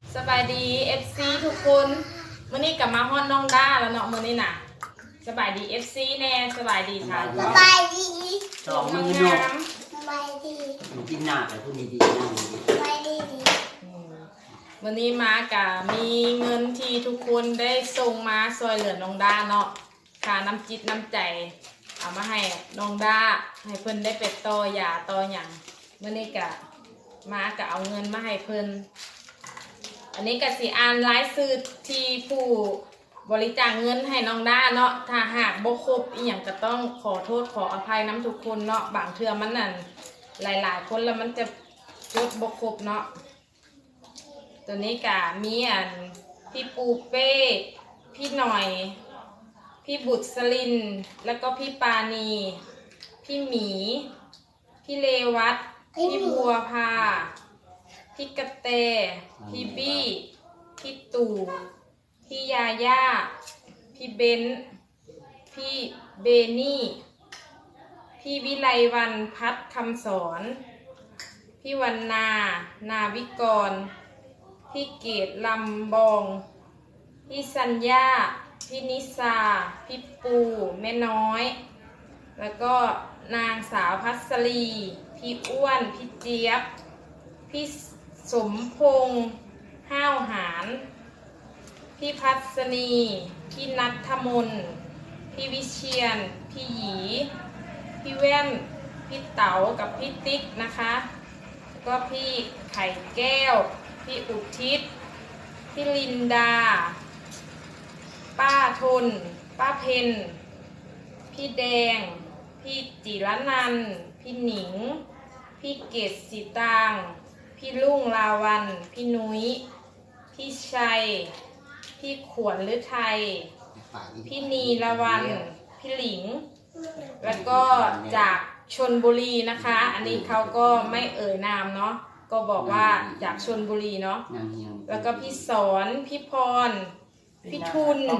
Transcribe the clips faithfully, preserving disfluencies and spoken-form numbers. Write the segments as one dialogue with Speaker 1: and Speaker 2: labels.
Speaker 1: สบายดี เอฟ ซี ทุกคนมื้อนี้กลับมาฮอดน้องด้าแล้วเนาะมื้อนี้น่ะสบายดี เอฟ ซี แน่สบายดีค่ะ
Speaker 2: สบายดี
Speaker 3: สองมือเนาะ
Speaker 2: สบายดี
Speaker 3: กินหน้าแต่พูดดีๆ
Speaker 2: สบายดี
Speaker 1: วันนี้มากะมีเงินที่ทุกคนได้ส่งมาซอยเหลือน้องด้าเนาะค่าน้ำจิตน้ำใจเอามาให้น้องด้าให้เพิ่นได้เป็ดต่อยาต่อหยังมื้อนี้กะมากะเอาเงินมาให้เพิ่นอันนี้กะสิอ่านรายชื่อที่ผู้บริจาคเงินให้น้องด้าเนาะถ้าหากบ่ครบอีหยังก็ต้องขอโทษขออภัยน้ำทุกคนเนาะบางเทื่อมันนั่นหลายๆคนแล้วมันจะจดบ่ครบเนาะตัวนี้กะมีอันพี่ปูเป้พี่หน่อยพี่บุตรสลินแล้วก็พี่ปานีพี่หมีพี่เลวัตพี่บัวพาพี่กระเตพี่บี้พี่ตู่พี่ยาย่าพี่เบนพี่เบนี่พี่วิไลวันพัฒคำสอนพี่วันนานาวิกรพี่เกตลำบองพี่สัญญาพี่นิสาพี่ปูแม่น้อยแล้วก็นางสาวพัสรีพี่อ้วนพี่เจี๊ยบพี่สมพงษ์ห้าวหารพี่พัสนีพี่นัทธมนพี่วิเชียนพี่หยีพี่แว่นพี่เต๋ากับพี่ติ๊กนะคะก็พี่ไข่แก้วพี่อุทิศพี่ลินดาป้าทนป้าเพนพี่แดงพี่จิรนันท์พี่หนิงพี่เกศสีตางพี่ลุงลาวันพี่นุ้ยพี่ชัยพี่ขวนฤทัยพี่นีละวันพี่หลิงแล้วก็จากชลบุรีนะคะอันนี้เขาก็ไม่เอ่ยนามเนาะก็บอกว่าจากชลบุรีเนาะแล้วก็พี่สอนพี่พรพี่ทุน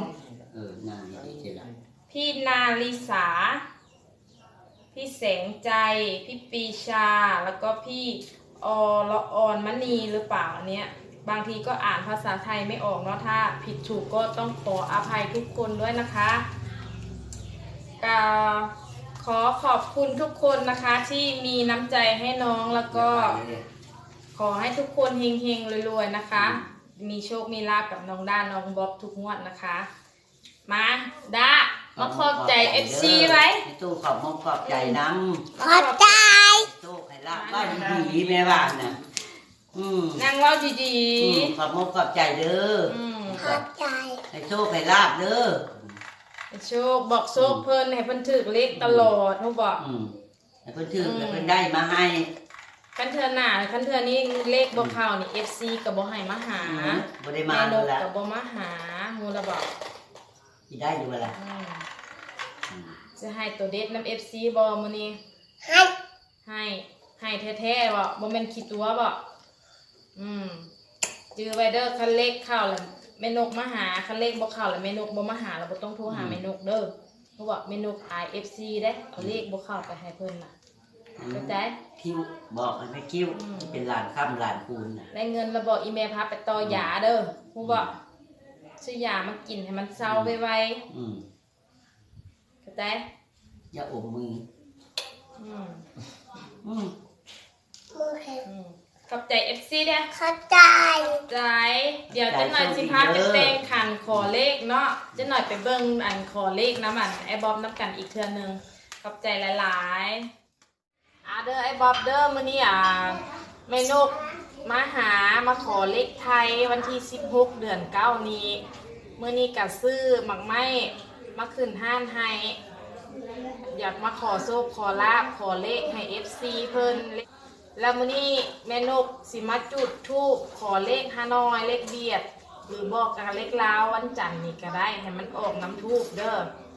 Speaker 1: พี่นาลิสาพี่แสงใจพี่ปีชาแล้วก็พี่อละออนมณีหรือเปล่าเนี้ยบางทีก็อ่านภาษาไทยไม่ออกเนาะถ้าผิดถูกก็ต้องขออภัยทุกคนด้วยนะคะก็ขอขอบคุณทุกคนนะคะที่มีน้ำใจให้น้องแล้วก็ขอให้ทุกคนเฮงๆรวยๆนะคะมีโชคมีลาภกับน้องด้าน้องบ๊อบทุกงวดนะคะมาด้ามาขอบใจ เอฟ ซี ไว้
Speaker 3: ตู้ขอบมงขอบใจน้ำ
Speaker 2: ขอบใจ
Speaker 3: ตู้ไข่ลาบบ้านดีแม่บ้านน่ะ
Speaker 1: นั่งเล่าดี
Speaker 3: ๆขอบมงขอบใจเด้อ
Speaker 2: ขอบใจ
Speaker 3: ให้โชคให้ลาบเด้อ
Speaker 1: โชคบอกโชคเพิ่นให้เพิ่นถือเลขตลอดเขาบอก
Speaker 3: ให้เพิ่นถือให้เพิ่นได้มาให้
Speaker 1: คันเทือหน้าคันเทือนี้เลขบ่เข้านี่ เอฟ ซี ก็บ่ให้มาหา
Speaker 3: บ่ได้มา
Speaker 1: แล้วก็บ่มาหาฮู้ละบ่
Speaker 3: สิได้อยู่ล่ะ
Speaker 1: จะให้ตัวเด็ดนำ เอฟ ซี บ่มื้อนี้
Speaker 2: ให้
Speaker 1: ให้ให้แท้ๆบ่บ่แม่นขี้ตัวบ่อืมจื้อไว้เด้อคันเลขเข้าแล้วแม่นกมาหาคันเลขบ่เข้าแล้วแม่นกบ่มาหาแล้วบ่ต้องโทรหาแม่นกเด้อเพราะว่าแม่นกอาย เอฟ ซี เด้เอาเลขบ่เข้าไปให้เพิ่นน่ะเข้าใจ
Speaker 3: คิวบอกให้แม่คิวเป็นหลานค่ำหลานคูณน่ะ
Speaker 1: ได้เงินแล้วบอกอีเมลพาไปต่อยาเด้อฮู้บ่ซื้อยามากินให้มันเซาไวๆอืมเข้าใจ
Speaker 3: อย่าอมมือ
Speaker 1: อืม
Speaker 3: อืม
Speaker 2: มือแข็ง
Speaker 1: ขอบใจ เอฟ ซี เด้อ
Speaker 2: ขอบใจ
Speaker 1: ใจเดี๋ยวจะหน่อยสิพาไปแต่งขันขอเลขเนาะจะหน่อยไปเบิ่งอันขอเลขน้ำอันไอ้บ๊อบน้ำกันอีกเทื่อนึงขอบใจหลายๆอ่าเด้อไอ้บ๊อบเด้อมื้อนี้อ่ะแม่นกมาหามาขอเลขไทยวันที่สิบหกเดือนเก้านี้มื้อนี้ก็ซื้อหมักไม้มาขึ้นห้านให้อยากมาขอโชคขอลาภขอเลขให้ เอฟ ซี เพิ่นแล้วมื้อนี้แม่นกสิมาจุดธูปขอเลขฮานอยเลขเบียดหรือบอกกับเลขลาววันจันทร์นี่ก็ได้ให้มันออกน้ำธูปเด้อ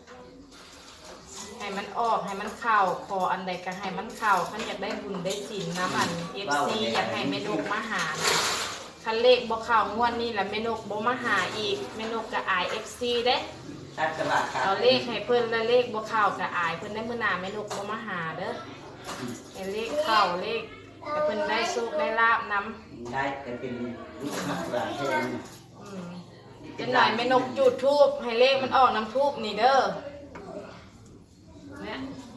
Speaker 1: ให้มันออกให้มันเข้าขออันใดก็ให้มันเข้าคันอยากได้บุญได้ศีลน้ำอัน เอฟ ซี อยากให้แม่นกมาหาคันเลขบ่เข้างวดนี้แหละแม่นกบ่มาหาอีกแม่นกก็อาย เอฟ ซี เด้เอาเลขให้เพิ่นแล้วเลขบ่เข้าก็อายเพิ่นได้มื้อหน้าแม่นกบ่มาหาเด้อให้เลขเข้าเลขให้เพิ่นได้โชคได้ลาภนำ
Speaker 3: ได้แต่เป็นลูกหักหลานเท่านั้น
Speaker 1: อืมเป็นหลายแม่นกจุดทูบให้เลขมันออกน้ำทูบนี่เด้อเนี่ย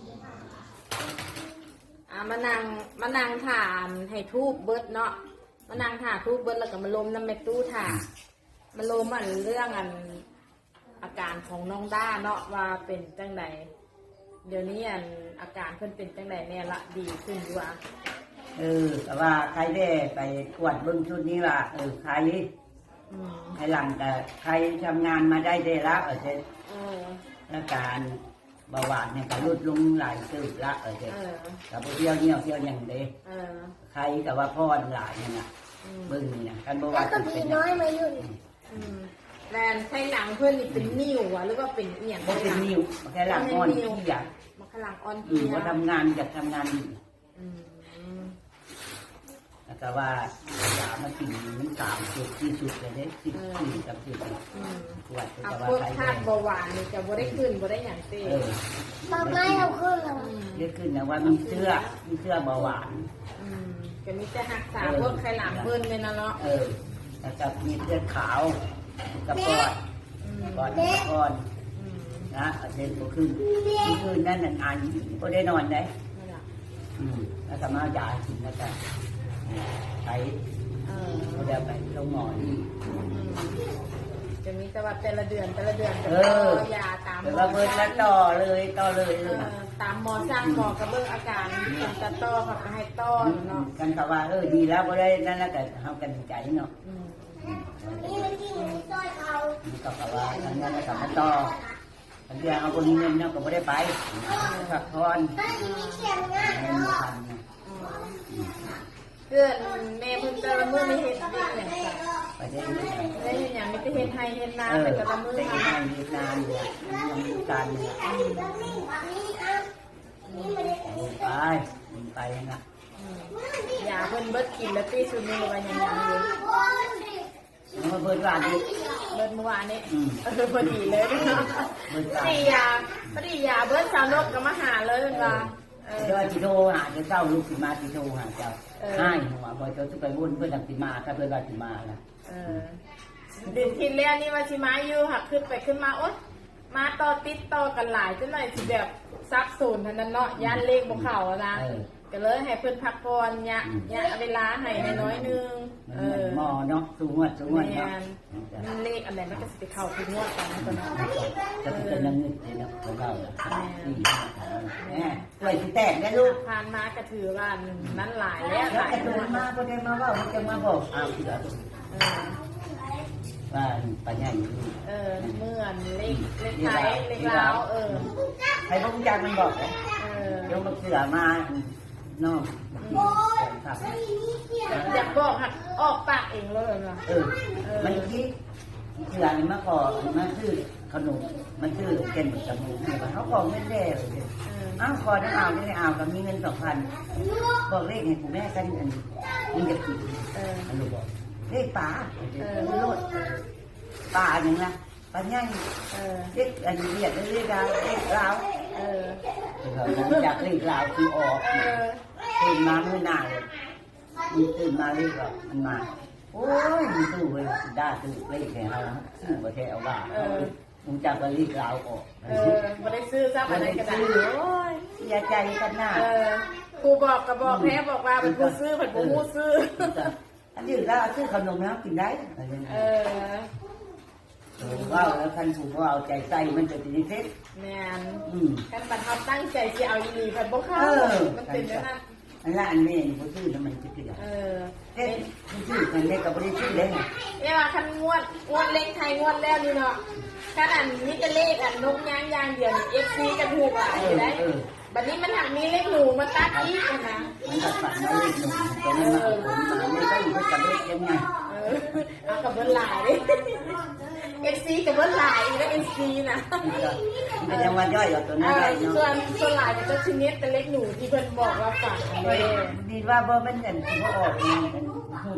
Speaker 1: อ่ะมานั่งมานั่งถามให้ทูบเบิดเนาะมานั่งถามทูบเบิดแล้วก็มาลมน้ำเม็ดตู้ถามมาลมอันเรื่องอันอาการของน้องด้าเนาะว่าเป็นจังไดเดี๋ยวนี้อันอาการเพิ่นเป็นจังไดแน่ละดีขึ้นอยู่อ่ะ
Speaker 4: เออแต่ว่าใครได้ไปกวดเบิ้งชุดนี้ว่าเออใคร
Speaker 1: อืม
Speaker 4: ใครหลังแต่ใครทำงานมาได้ได้ละเออเจ๊
Speaker 1: เออ
Speaker 4: อาการเบาหวานเนี่ยก็ลดลงหลายสืบละเออเจ๊
Speaker 1: เออ
Speaker 4: กับเที่ยวเนี่ยวเที่ยวอย่างเด้
Speaker 1: เออ
Speaker 4: ใครแต่ว่าพ่อหลานเนี่ยนะ
Speaker 1: อืม
Speaker 4: เบิ้งนี่นะกันเบาห
Speaker 2: แล้ว
Speaker 4: วาน
Speaker 2: ก็
Speaker 4: เป็น
Speaker 2: พี่
Speaker 4: เป็น
Speaker 2: น้อยมาอยู่
Speaker 1: อืมแลนใช้หนังเพื่อนนี่เป็นนิ่วอะหรือว่าเป็นเอียง
Speaker 4: บ่เป็นนิ้วแค่หลังอ่อนที่อยาก
Speaker 1: มาขลังอ่อน
Speaker 4: อื
Speaker 1: เพี
Speaker 4: ม
Speaker 1: ย
Speaker 4: ว่าทำงานอยากทำงานดี
Speaker 1: อืม
Speaker 4: แล้วก็ว่าอยามากินมันสามสุดที่สุดเลยเด้สิบสี่กับสิบ
Speaker 1: อืม
Speaker 4: ปวด
Speaker 1: เอา
Speaker 4: แต่ว่า
Speaker 1: พวก
Speaker 4: ใคร
Speaker 1: ธาตุเบาหวานนี่จะบ่ได้ขึ้นบ่ได้อย่างเต้
Speaker 4: เออ
Speaker 2: มาไม่เอาขึ้นแล้ว
Speaker 1: อืม
Speaker 4: เรียกขึ้นนะว่ามีเสื้อมีเสื้อเบาหวาน
Speaker 1: อืมก็มีแต่หักษาพวกไข้หลังเพิ่นเลยนะเนาะ
Speaker 4: เออแล้วก็มีเสื้อขาวกับปอด
Speaker 1: อืม
Speaker 4: ปอดกับก้อน
Speaker 1: อืม
Speaker 4: นะเอาเดินก็ขึ้นมีคืนนั่นนั่นอันก็ได้นอนได้
Speaker 1: นั่นล่ะ
Speaker 4: อืมแล้วก็มาเอายากินแล้วก็ไป
Speaker 1: เออ
Speaker 4: เราเดี๋ยวไปลงหมอนี่
Speaker 1: อืมจะมีแต่ว่าแต่ละเดือนแต่ละเดือนก็
Speaker 4: เอ
Speaker 1: ต่
Speaker 4: อ
Speaker 1: อยาตามหม
Speaker 4: เดี๋ยว
Speaker 1: อ
Speaker 4: เราเบิร์แล้วต่อเลยต่อเลย
Speaker 1: เอ
Speaker 4: เลย
Speaker 1: อตามหมอสร้างหมอกระเบื้องอาการเป็นตะต้อเขาก็ให้ต้อเนาะ
Speaker 4: กันเขาว่าเออดีแล้วก็ได้นั่นแล้วแต่เขากันใจเนาะ
Speaker 1: อืม
Speaker 2: นี่มันที่หนูต้อยเขา
Speaker 4: ก็เขาว่าอันนั้นแล้วก็มาต่ออันเดียวเอาคนเงินเนาะก็ไม่ได้ไปพักผ่อน
Speaker 2: ถ้าที่มีเขียนง่าย
Speaker 4: เงิน
Speaker 2: เนาะ
Speaker 4: พันเนี่ย
Speaker 1: เพื่อนแม่เพิ่นแต่ละมื้อไม่เฮ็ดเด็กอย่างจ้ะ
Speaker 4: ไปได้เงิน
Speaker 1: ได้เฮ็ดหยังมีแต่เฮ็ดไห้เฮ็ดนา
Speaker 4: เออ
Speaker 1: แต่แต่ละมื้อ
Speaker 4: ได้
Speaker 1: ทำ
Speaker 4: งานมีงานเนี่ยยังมีการเนี่ย
Speaker 2: แล้วนี่อันนี้อ่ะนี่มันอันนี้
Speaker 4: ไปไปนะ
Speaker 1: ยาเพิ่นเบิดกินแล้วตีสุดนี้ว่ายังยังอยู่
Speaker 4: แล้วมาเบิดร้านนี้
Speaker 1: เบิดเมื่อวานนี้
Speaker 4: อืม
Speaker 1: เออพอดีเลยเนาะ
Speaker 4: เบิดร้าน
Speaker 1: พอดียาพอดียาเบิดสาวนกก็มาหาเลยเพิ่นว่าเออ
Speaker 4: เดี๋ยวจิโทรหาเดี๋ยวเจ้าลูกสิมาจิโทรหาเจ้า
Speaker 1: เออ
Speaker 4: ให้หัวบ่เจ้าจะไปวุ่นเพื่อนดังสิมาถ้าเพื่อนว่าสิมานะ
Speaker 1: เออเดือนที่แล้วนี่ว่าสิมาอยู่หักขึ้นไปขึ้นมาโอ๊ยมาต่อติดต่อกันหลายจังหน่อยสิแบบซับซ้อนเท่านั้นเนาะย่านเลขบ่เข้าอะนะ
Speaker 4: เออ
Speaker 1: ก็เลยให้เพิ่นพักผ่อนเนี่ย
Speaker 4: อืม
Speaker 1: เนี่ยเวลาให้น้อยๆนึง
Speaker 4: มัน
Speaker 1: เอ
Speaker 4: เหมือ
Speaker 1: อน
Speaker 4: หม้อเนาะสูงวดสูงวด
Speaker 1: แม่
Speaker 4: เนาะ
Speaker 1: นมันเลขอันไหนมันก็สิไปเข้าทุกงวดกันนะตัวเนาะ
Speaker 4: จะเป็นนังนึกเลยนะของเราอ่ะแม่กล้วยสิแตกได้ลูก
Speaker 1: ผ่านมาก็ถือว่านั้นหลายแล้วห
Speaker 4: แล้ว
Speaker 1: ลาย
Speaker 4: ไอ้
Speaker 1: ตั
Speaker 4: ตัว วมาก็ได้มาว่าจะมาบอกอ้าวเสือ
Speaker 1: เออ
Speaker 4: ว่าปัญญาอยู่
Speaker 1: เออเมื่อนเลขเลขไทยเลขลาวเออ
Speaker 4: ใครพวกจักมันบอกเลย
Speaker 1: เออ
Speaker 4: เดี๋ยวมาเสือมาน้องครับ
Speaker 1: อยากบอกหักออกปากเองเลยเนาะ
Speaker 4: เออมันคิดเสือนี่มาขอมาซื้อขนมมันซื้อเก่นจมูกเขาขอไม่ได้เลย
Speaker 1: เออ
Speaker 4: อ้าวคอได้เอาได้เอากับมีเงินสองพันบอกเลขให้คุณแม่กันอันนี้จะกิน
Speaker 1: เออ
Speaker 4: อันนี้บอกเลขป่า
Speaker 1: เออ
Speaker 4: โลดป่าหนึ่งนะป่าใหญ่
Speaker 1: เออ
Speaker 4: เลขอันนี้เรียกเลขดาวเลขลาว
Speaker 1: เออ
Speaker 4: จากเลขลาวคือออก
Speaker 1: เออ
Speaker 4: ตื่นมาเมื่อหน้าเลยมันตื่นมาเลขแบบมันมาโอ้ยมันตู้เลยได้ตู้เลขแค่เราซื้อประเทศเอาว่ามึงจากเลขลาวออก
Speaker 1: เออบ่ได้ซื้อซับอะไรก็ได้โอ้ย
Speaker 4: เสียใจกันหน้า
Speaker 1: เออครูบอกก็บอกแพ้บอกว่าเป็นผู้ซื้อเป็นผู้มู้ซื้อ
Speaker 4: อันนี้แล้วซื้อขนมแล้วกินได้อะไรอย่าง
Speaker 1: เอ
Speaker 4: เงี้ย
Speaker 1: อ
Speaker 4: ว่าแล้วคันถูกว่าเอาใจใส่มันจะเป็นนิสัย
Speaker 1: แม่น
Speaker 4: อืม
Speaker 1: กันบัดเฮาตั้งใจสิเอาอีหลีเพิ่นบ่เข้า
Speaker 4: เออ
Speaker 1: มันเป็นแบบนั้น
Speaker 4: อันนั้นอันนี้เขาซื้อแล้วมันจะเกลือ
Speaker 1: เออ
Speaker 4: เอ๊ะซื้อกันได้กับไม่ได้ซื้อเลยไง
Speaker 1: เรียกว่าคันงวดงวดเลขไทยงวดแล้วนี่เนาะขนาดนี้จะเลขอันนกย่างย่างเดียวนี่ เอฟ ซี กันถูกอ่ะอยู่ได้บัดนี้มันหักมีเลขหนูมาตัดอีกนะ
Speaker 4: มันก็ฝันมาเลขหนึ่งตอนนั้นมาเอาผลมาไม่ได้อยู่กับเลขยังไง
Speaker 1: เออเอากับเบิ้ลหลาย เอฟ ซี กับเบิ้ลหลายอีกแล้ว เอฟ ซี นะ
Speaker 4: มันยังวันย่อยกับตัวนั้นได้
Speaker 1: ส่
Speaker 4: เนาะ
Speaker 1: วนส่วนหลายมันจะชนิดเป็นเลขหนูที่เพิ่นบอกว่าฝากอันนี้
Speaker 4: ดีว่าบ่เป็นกันที่เขาออกมันเป็นพูด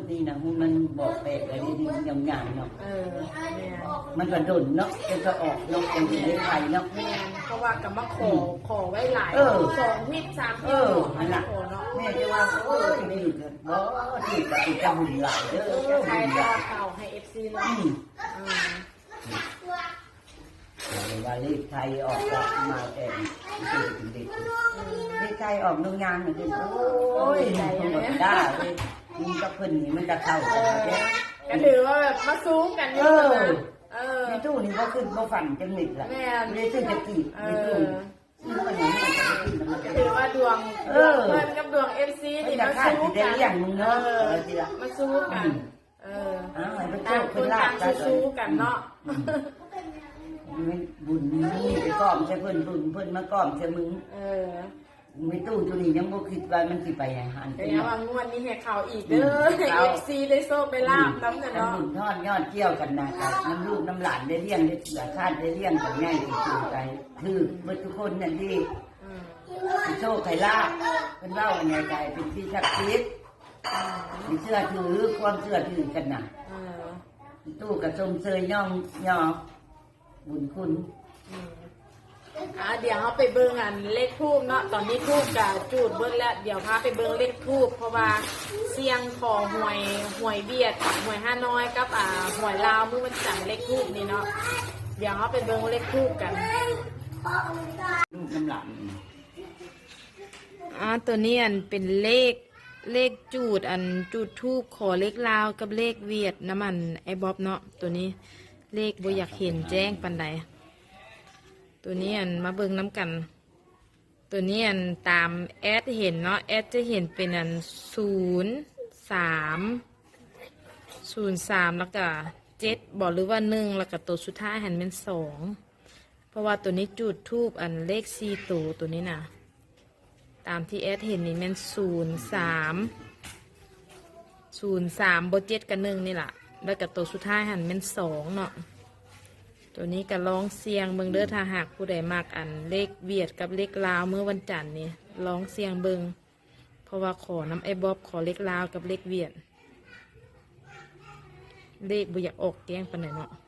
Speaker 4: นี่นะมันบอกแปลกอะไรนี่ยำยำเนาะ
Speaker 1: เออแม่น
Speaker 4: มันก็ดุนเนาะจะก็ออกเนาะจะได้ไทยเนาะ
Speaker 1: แม่นเพราะว่ากับมาขอขอไว้หลาย
Speaker 4: เออ
Speaker 1: สองทิศสาม
Speaker 4: เอ
Speaker 1: ทิศ
Speaker 4: อ
Speaker 1: ขอ
Speaker 4: นั่นแหละ
Speaker 1: ขอเนาะ
Speaker 4: แม่จะว่าโอ้ยไม่หยุดเลยบ่ที่จะติดจะบุญหลายเด้อ
Speaker 1: ใคร
Speaker 4: บุญห
Speaker 1: ก็
Speaker 4: ลาย
Speaker 1: เข่าให้เอฟซีเนาะ
Speaker 4: อืม
Speaker 1: อืม
Speaker 4: ว่าเลขไทยออกก็มาแต่ถึงเด็กเลขไทยออกโรงงานเหมือนกันโอ้ยมันหมดได้เลยมันกับเพิ่นนี่มันจะเข้า
Speaker 1: เอ
Speaker 4: กัน
Speaker 1: อ
Speaker 4: นะ
Speaker 1: ก็ถือว่าแบบมาซูมกันเยอะนะเออ
Speaker 4: ในตู้นี่ก็ขึ้นก็ฝันจังหนิดแหละ
Speaker 1: แม่น
Speaker 4: ไม่ได้ซื้อจะกี่
Speaker 1: เอ
Speaker 4: ในตู้
Speaker 1: อ
Speaker 4: ซื้อมาอย่างนี้มันจะขึ้นแล้วมันจะ
Speaker 1: ถือว่าดวง
Speaker 4: เออ
Speaker 1: เพื่อนกับดวงเอฟซี
Speaker 4: มัน
Speaker 1: นี่
Speaker 4: จะ
Speaker 1: มา
Speaker 4: คาด
Speaker 1: ซู
Speaker 4: สิ
Speaker 1: ม
Speaker 4: ได้
Speaker 1: กัน
Speaker 4: เลี้ยงมึง
Speaker 1: เอ
Speaker 4: เนาะ
Speaker 1: อ
Speaker 4: เออทีละ
Speaker 1: มาซูมกัน เออ
Speaker 4: อ้าวให้พระ
Speaker 1: ต่า
Speaker 4: เจ้าง
Speaker 1: ค
Speaker 4: ขึ้น
Speaker 1: น
Speaker 4: ลา
Speaker 1: ต่า
Speaker 4: บ
Speaker 1: ง
Speaker 4: กัน
Speaker 1: สู้ๆกันเนาะ
Speaker 4: บุญนี่ไปก้อมใช่เพิ่นบุญเพิ่นมาก้อมใช่มึง
Speaker 1: เออ
Speaker 4: ไม่ตู้ตัวนี้ยังบ่คิดว่ามันสิไปอย่างหัน
Speaker 1: แต่ยังว่างวดนี้ให้ข่าวอีกเด้อให้เอฟซีได้โซ่ไปลาบน้ำกัน
Speaker 4: น้ำ
Speaker 1: เนาะ
Speaker 4: บุญทอดยอดเกี่ยวกันนะครับน้ำลูกน้ำหลานได้เลี้ยงได้เสือคาดได้เลี้ยงกันง่ายที่สุดใจคือเมื่อทุกคนนั่นที่
Speaker 1: อืม
Speaker 4: โชคไข่ลาบเป็นเล่าอันใหญ่ใจเป็นที่ชักคิดมีเชื่อถือความเชื่อถือกันนะ
Speaker 1: เออ
Speaker 4: ตู้กับชมเชยย่องย่อบุญคุณ
Speaker 1: อืมอ่าเดี๋ยวเขาไปเบิ่งอันเลขทูบเนาะตอนนี้ทูบกับจูดเบิ่งแล้วเดี๋ยวพาไปเบิ่งเลขทูบเพราะว่าเสียงของหวยหวยเบียดหวยห้าน้อยกับอ่าหวยลาวมือมันจังเลขทูบนี่เนาะเดี๋ยวเขาไปเบิ่งเลขทูบกัน
Speaker 4: ลูกน้ำหลาน
Speaker 1: อ่าตัวนี้อันเป็นเลขเลขจูดอันจูดทูบขอเลขลาวกับเลขเวียดน้ำมันไอ้บ๊อบเนาะตัวนี้เลขบ่อยากเห็นแจ้งปันใดตัวนี้อันมาเบิ่งน้ำกัน ตัวนี้อันตามแอดเห็นเนาะแอดจะเห็นเป็นอันศูนย์สามศูนย์สามแล้วก็เจ็ดบอกหรือว่าหนึ่งแล้วก็ตัวสุดท้ายหันเป็นสองเพราะว่าตัวนี้จูดทูบอันเลขสี่ตัวตัวนี้นะตามที่แอดเห็นนี่มันศูนย์สามศูนย์สามบเจ็ดกับหนึ่งนี่แหละแล้วกับตัวสุดท้ายหันเป็นสองเนาะตัวนี้ก็ลองเสียงเบิงเด้อถ้าหากผู้ใดมากอันเลขเวียดกับเลขลาวเมื่อวันจันทร์นี่ลองเสียงเบิงเพราะว่าขอน้ำไอ้บ๊อบขอเลขลาวกับเลขเวียดเลขบ่อยากออกแกงปานไหนเนาะ